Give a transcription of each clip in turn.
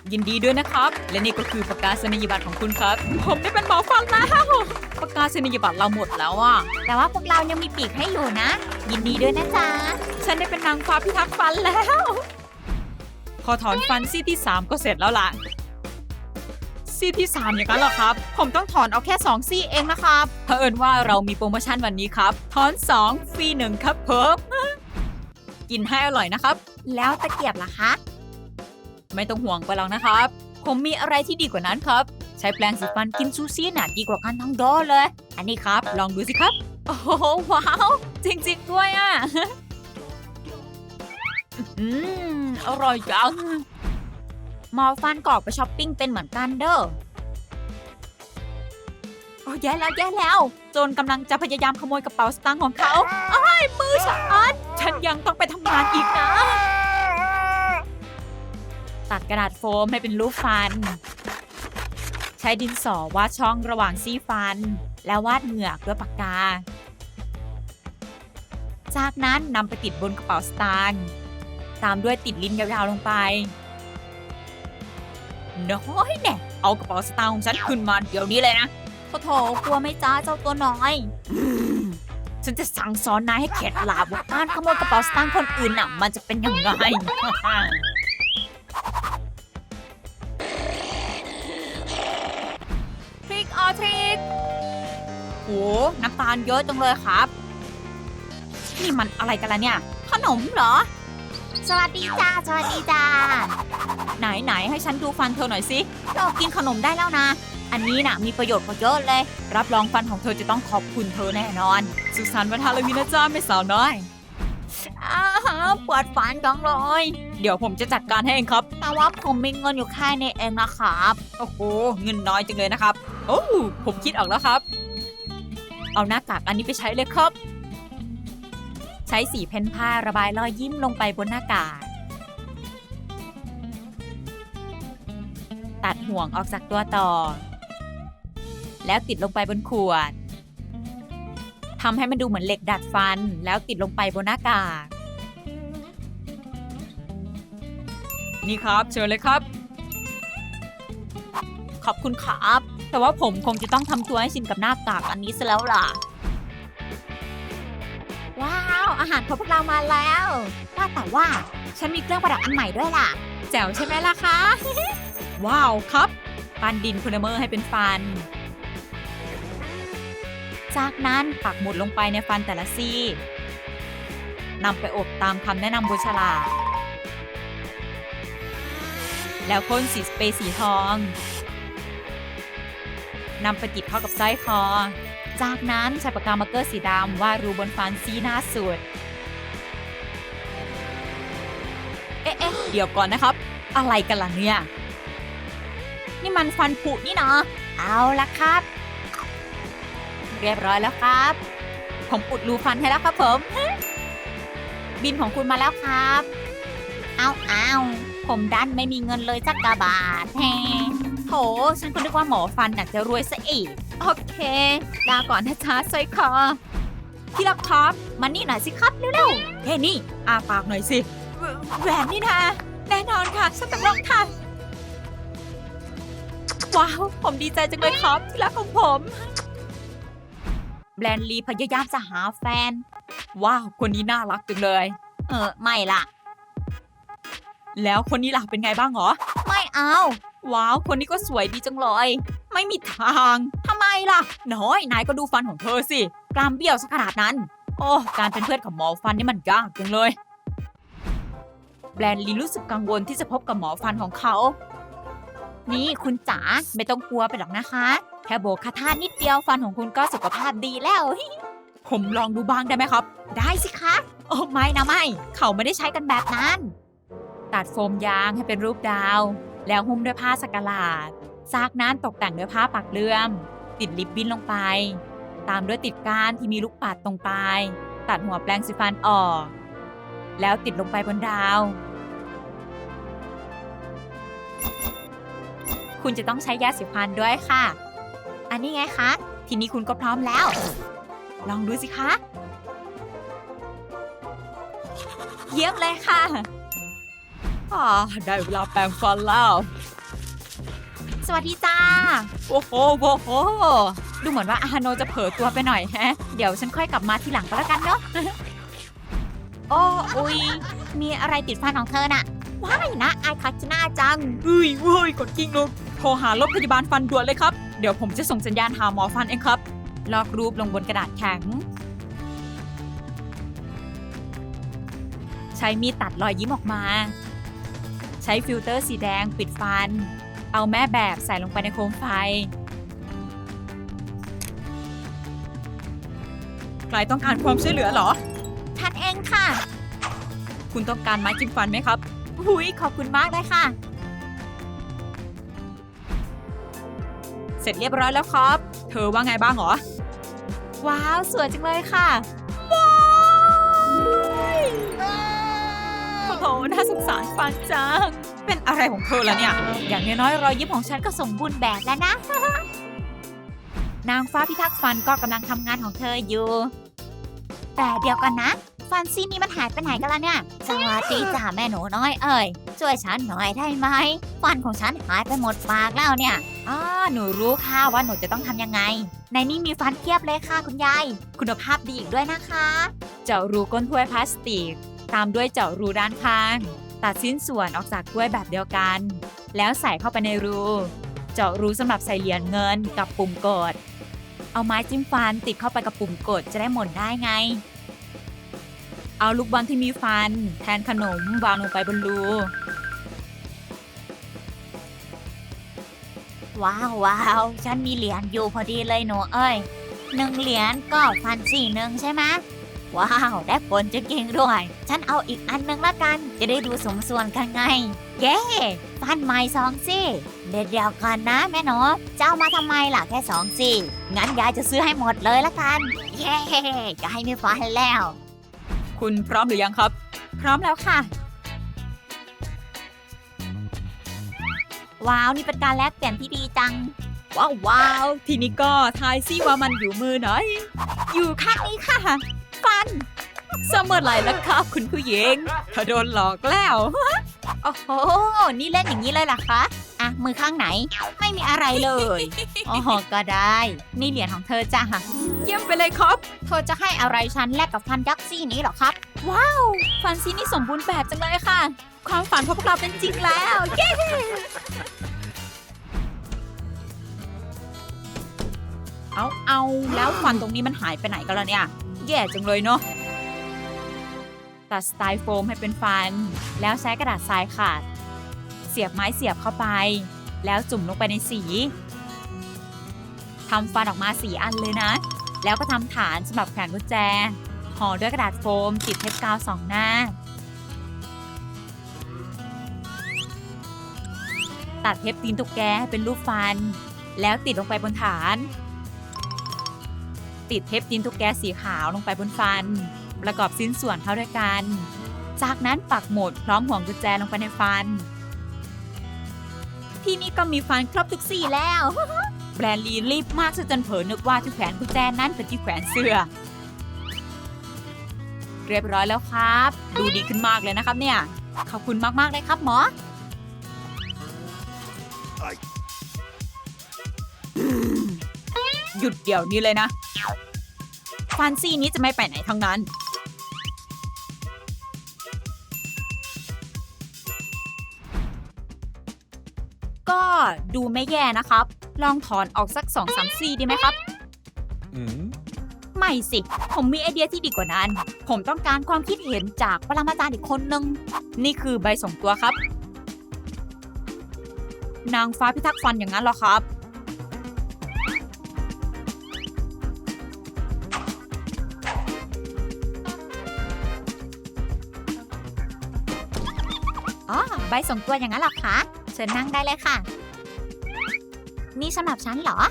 ยินดีด้วยนะครับ และนี่ก็คือประกาศนียบัตรของคุณครับ ผมได้เป็นหมอฟันแล้วประกาศนียบัตรเราหมดแล้วอ่ะแต่ว่าพวกเรายังมีปีกให้อยู่นะ ยินดีด้วยนะจ๊ะฉันได้เป็นนางฟ้าพิทักษ์ฟันแล้ว พอถอนฟันซี่ที่ 3 ก็เสร็จแล้วล่ะ ซี่ที่ 3 อย่างนั้นเหรอครับ ผมต้องถอนเอาแค่ 2 ซี่เองนะครับเผอิญว่าเรามีโปรโมชั่นวันนี้ครับ ถอน 2 ฟรี 1 ครับเพิ่มกินให้อร่อยนะครับแล้วตะเกียบล่ะคะไม่ต้องห่วงไปหรอกนะครับ ผมมีอะไรที่ดีกว่านั้นครับ ใช้แปรงสีฟันกินซูซี่น่ะดีกว่ากันทั้งโดเลย อันนี้ครับ ลองดูสิครับ โอ้โหว้าว จริงๆด้วยอ่ะ อร่อยจังหมอฟันกรอกไปช้อปปิ้งเป็นเหมือนกันเด้อโอ้แย่แล้วโจรกำลังจะพยายามขโมยกระเป๋าสตางค์ของเขาอ้ายมือฉันยังต้องไปทำงานอีกนะ ตัดกระดาษโฟมให้เป็นรูปฟัน ใช้ดินสอวาดช่องระหว่างซี่ฟัน แล้ววาดเหงือกด้วยปากกา จากนั้นนำไปติดบนกระเป๋าสตางค์ตามด้วยติดลิ้นยาวๆลงไปน้อยแน่เอากระเป๋าสตางค์ของฉันขึ้นมาเดี๋ยวนี้เลยนะโถกลัวไหม่จ้าเจ้าตัวน้อยฉันจะสั่งสอนนายให้เข็ดหลาบว่าการขโมยกระเป๋าสตางค์คนอื่นน่ะมันจะเป็นยังไง ทริกออทริกโหน้ำตาลเยอะจังเลยครับ นี่มันอะไรกันล่ะเนี่ย ขนมเหรอสวัสดีจ้า สวัสดีจ้าไหนให้ฉันดูฟันเธอหน่อยสิเรากินขนมได้แล้วนะอันนี้น่ะมีประโยชน์กว่าเยอะเลย รับรองฟันของเธอจะต้องขอบคุณเธอแน่นอน สุขสันต์วันฮาโลวีนนะจ๊ะแม่สาวน้อยปวดฟันจังเลย เดี๋ยวผมจะจัดการให้เองครับแต่ว่าผมมีเงินอยู่แค่นี้เองนะครับโอ้โห เงินน้อยจังเลยนะครับ โอ้ผมคิดออกแล้วครับ เอาหน้ากากอันนี้ไปใช้เลยครับ ใช้สีเพ้นผ้าระบายรอยยิ้มลงไปบนหน้ากาก ตัดห่วงออกจากตัวต่อ แล้วติดลงไปบนขวด ทำให้มันดูเหมือนเหล็กดัดฟัน แล้วติดลงไปบนหน้ากาก นี่ครับเชิญเลยครับ ขอบคุณครับ แต่ว่าผมคงจะต้องทำตัวให้ชินกับหน้ากากอันนี้ซะแล้วล่ะว้าว อาหารของพวกเรามาแล้วว่าแต่ว่าฉันมีเครื่องประดับอันใหม่ด้วยล่ะแจ๋วใช่ไหมล่ะคะ ว้าวครับปั้นดินโพลิเมอร์ให้เป็นฟัน จากนั้นปักหมุดลงไปในฟันแต่ละซี่นำไปอบตามคำแนะนำบนฉลากแล้วพ่นสีสเปรย์สีทองนำไปติดเข้ากับสร้อยคอ จากนั้นใช้ปากกามาร์กเกอร์สีดำวาดรูบนฟันซี่หน้าสุด เอ๊ะเดี๋ยวก่อนนะครับ อะไรกันล่ะเนี่ย นี่มันฟันผุนี่นะเอาละครับเรียบร้อยแล้วครับ ผมอุดรูฟันให้แล้วครับผม บินของคุณมาแล้วครับเอาผมดันไม่มีเงินเลยสักกะบาทแฮโถฉันก็นึกว่าหมอฟันอยากจะรวยซะอีก โอเคลาก่อนนะจ๊ะสร้อยคอที่รักครับมานี่หน่อยสิครับเร็วๆเฮ้นี่อาปากหน่อยสิแหวนนี่นะแน่นอนค่ะฉันต้องลองค่ะว้าวผมดีใจจังเลยครับที่รักของผมแบรนด์ลีพยายามจะหาแฟนว้าวคนนี้น่ารักจังเลยไม่ล่ะแล้วคนนี้ล่ะเป็นไงบ้างหรอไม่เอาว้าวคนนี้ก็สวยดีจังเลยไม่มีทางทำไมล่ะน้อยนายก็ดูฟันของเธอสิกรามเบี้ยวสักขนาดนั้นโอ้การเป็นเพื่อนกับหมอฟันนี่มันยากจังเลยแบรนด์ลีรู้สึกกังวลที่จะพบกับหมอฟันของเขานี่คุณจ๋าไม่ต้องกลัวไปหรอกนะคะแค่โบกคาถานิดเดียวฟันของคุณก็สุขภาพดีแล้ว ผมลองดูบ้างได้ไหมครับได้สิคะโอ้ไม่นะไม่เขาไม่ได้ใช้กันแบบนั้นตัดโฟมยางให้เป็นรูปดาวแล้วหุ้มด้วยผ้าสกหลาดจากนั้นตกแต่งด้วยผ้าปักเลื่อมติดลิปบิ้นลงไปตามด้วยติดก้านที่มีลูกปัดตรงปลายตัดหัวแปรงสีฟันออกแล้วติดลงไปบนดาวคุณจะต้องใช้ยาสีฟันด้วยค่ะอันนี้ไงคะทีนี้คุณก็พร้อมแล้ว ลองดูสิคะ เยี่ยมเลยค่ะได้เวลาแปรงฟันแล้วสวัสดีจ้าโอ้โหโอ้โห ดูเหมือนว่าอาโนจะเผลอตัวไปหน่อยแฮะ เดี๋ยวฉันค่อยกลับมาทีหลังก็แล้วกันเนาะโอ้อุ๊ยมีอะไรติดฟันของเธอน่ะว้ายนะอายคาชิน่าจังเฮ้ยเฮ้ยกดกิ้งลงโทรหารถพยาบาลฟันด่วนเลยครับ เดี๋ยวผมจะส่งสัญญาณหาหมอฟันเองครับ ลอกรูปลงบนกระดาษแข็ง ใช้มีดตัดรอยยิ้มออกมา ใช้ฟิลเตอร์สีแดงปิดฟัน เอาแม่แบบใส่ลงไปในโคมไฟ ใครต้องการความช่วยเหลือเหรอท่านเองค่ะคุณต้องการไม้จิ้มฟันไหมครับหุยขอบคุณมากเลยค่ะเสร็จเรียบร้อยแล้วครับ เธอว่าไงบ้างเหรอว้าวสวยจังเลยค่ะโอ้โห น่าสงสารฟันจัง เป็นอะไรของเธอล่ะเนี่ย อย่างน้อยๆรอยยิ้มของฉันก็สมบูรณ์แบบแล้วนะนางฟ้าพิทักษ์ฟันก็กำลังทำงานของเธออยู่แต่เดี๋ยวกันนะ ฟันซี่นี่มันหายไปไหนกันล่ะเนี่ย สวัสดีจ้าแม่หนูน้อยเอ้ยช่วยฉันหน่อยได้ไหมฟันของฉันหายไปหมดปากแล้วเนี่ยหนูรู้ค่ะว่าหนูจะต้องทำยังไง ในนี้มีฟันเทียบเลยค่ะคุณยาย คุณภาพดีอีกด้วยนะคะเจาะรูก้นถ้วยพลาสติก ตามด้วยเจาะรูด้านข้าง ตัดชิ้นส่วนออกจากถ้วยแบบเดียวกัน แล้วใส่เข้าไปในรู เจาะรูสำหรับใส่เหรียญเงินกับปุ่มกด เอาไม้จิ้มฟันติดเข้าไปกับปุ่มกดจะได้หมุนได้ไง เอาลูกบอลที่มีฟัน แทนขนมวางลงไปบนรูว้าวฉันมีเหรียญอยู่พอดีเลยหนูเอ้ย1 เหรียญก็ฟันซี่หนึ่งใช่ไหมว้าวได้ผลจริงๆด้วย ฉันเอาอีกอันนึงละกัน จะได้ดูสมส่วนกันไง เย้ฟันใหม่2 ซี่เดี๋ยวกันนะแม่หนูจะเอามาทำไมล่ะแค่2 ซี่งั้นยายจะซื้อให้หมดเลยละกัน เย้จะให้มีฟันแล้วคุณพร้อมหรือยังครับพร้อมแล้วค่ะ ว้าวนี่เป็นการแลกเปลี่ยนที่ดีจังว้าว ทีนี้ก็ทายซิว่ามันอยู่มือไหนอยู่ข้างนี้ค่ะฟันเสมอไหรแล้วครับคุณผู้หญิงเธอโดนหลอกแล้วโอ้โห นี่เล่นอย่างนี้เลยล่ะคะ อ่ะ มือข้างไหน ไม่มีอะไรเลย อ๋อ ก็ได้ นี่เหรียญของเธอจ้ะเยี่ยมไปเลยครับเธอจะให้อะไรฉันแลกกับฟันยักษ์ซี่นี้เหรอครับฟันซีนี่สมบูรณ์แบบจังเลยค่ะ ความฝันของพวกเราเป็นจริงแล้ว เย้เอาแล้วฟันตรงนี้มันหายไปไหนกันล่ะเนี่ย แย่จังเลยเนาะ ตัดสไตล์โฟมให้เป็นฟัน แล้วใช้กระดาษทรายขัด เสียบไม้เสียบเข้าไป แล้วจุ่มลงไปในสี ทำฟันออกมา4 อันเลยนะ แล้วก็ทำฐานสำหรับแขวนกุญแจ ห่อด้วยกระดาษโฟมติดเทปกาว2 หน้า ตัดเทปตีนตุ๊กแกให้เป็นรูปฟัน แล้วติดลงไปบนฐาน ติดเทปตีนตุ๊กแกสีขาวลงไปบนฟัน ประกอบชิ้นส่วนเข้าด้วยกัน จากนั้นปักหมุดพร้อมห่วงกุญแจลงไปในฟัน ที่นี่ก็มีฟันครบทุกสีแล้ว แบรนด์ลีรีบมากจนเผลอนึกว่าที่แขวนกุญแจนั้นเป็นที่แขวนเสื้อ เรียบร้อยแล้วครับ ดูดีขึ้นมากเลยนะครับเนี่ย ขอบคุณมากๆเลยครับหมอ หยุดเดี๋ยวนี้เลยนะ ฟันซี่นี้จะไม่ไปไหนทั้งนั้น ก็ดูไม่แย่นะครับ ลองถอนออกสัก 2-3 ซี่ดีไหมครับ ไม่สิ ผมมีไอเดียที่ดีกว่านั้น ผมต้องการความคิดเห็นจากปรมาจารย์อีกคนนึง นี่คือใบส่งตัวครับ นางฟ้าพิทักษ์ฟันอย่างนั้นเหรอครับอ๋อ ใบส่งตัวอย่างนั้นเหรอคะ เชิญนั่งได้เลยค่ะ นี่สำหรับฉันเหรอ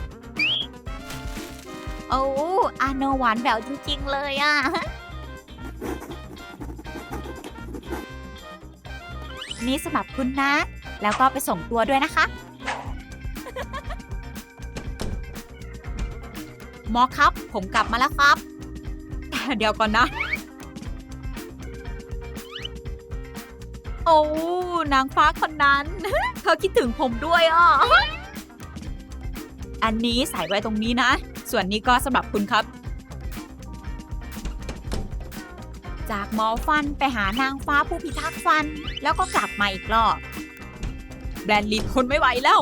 โอ้อาโนหวานแหววจริงๆเลยอ่ะ นี่สำหรับคุณนะ แล้วก็ไปส่งตัวด้วยนะคะหมอครับ ผมกลับมาแล้วครับ เดี๋ยวก่อนนะ โอ้อ้นางฟ้าคนนั้น เธอคิดถึงผมด้วยอ่ะ อันนี้ใส่ไว้ตรงนี้นะ ส่วนนี้ก็สำหรับคุณครับ จากหมอฟันไปหานางฟ้าผู้พิทักษ์ฟัน แล้วก็กลับมาอีกรอบ แบรนลีทนไม่ไหวแล้ว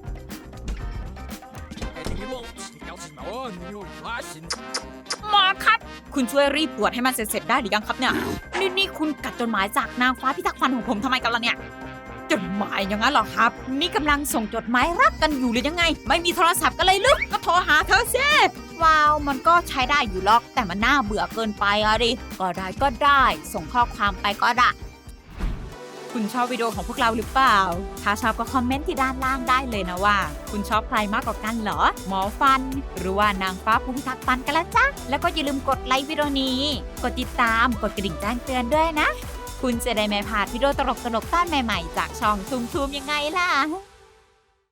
หมอครับ คุณช่วยรีบตรวจให้มันเสร็จๆได้หรือยังครับเนี่ย นี่คุณกัดจดหมายจากนางฟ้าพิทักษ์ฟันของผมทำไมกันล่ะเนี่ย จดหมายอย่างนั้นเหรอครับ นี่กำลังส่งจดหมายรักกันอยู่หรือยังไง ไม่มีโทรศัพท์กันเลยลึกก็โทรหาเธอสิว้าว มันก็ใช้ได้อยู่หรอก แต่มันน่าเบื่อเกินไปอะดิ ก็ได้ ส่งข้อความไปก็ได้ คุณชอบวิดีโอของพวกเราหรือเปล่า ถ้าชอบก็คอมเมนต์ที่ด้านล่างได้เลยนะว่า คุณชอบใครมากกว่ากันเหรอ หมอฟัน หรือว่านางฟ้าผู้พิทักษ์ฟันกันละจ๊ะ แล้วก็อย่าลืมกดไลค์วิดีโอนี้ กดติดตาม กดกระดิ่งแจ้งเตือนด้วยนะ คุณจะได้ไม่พลาดวิดีโอตลกๆต้านใหม่ๆจากช่องทุมๆยังไงล่ะ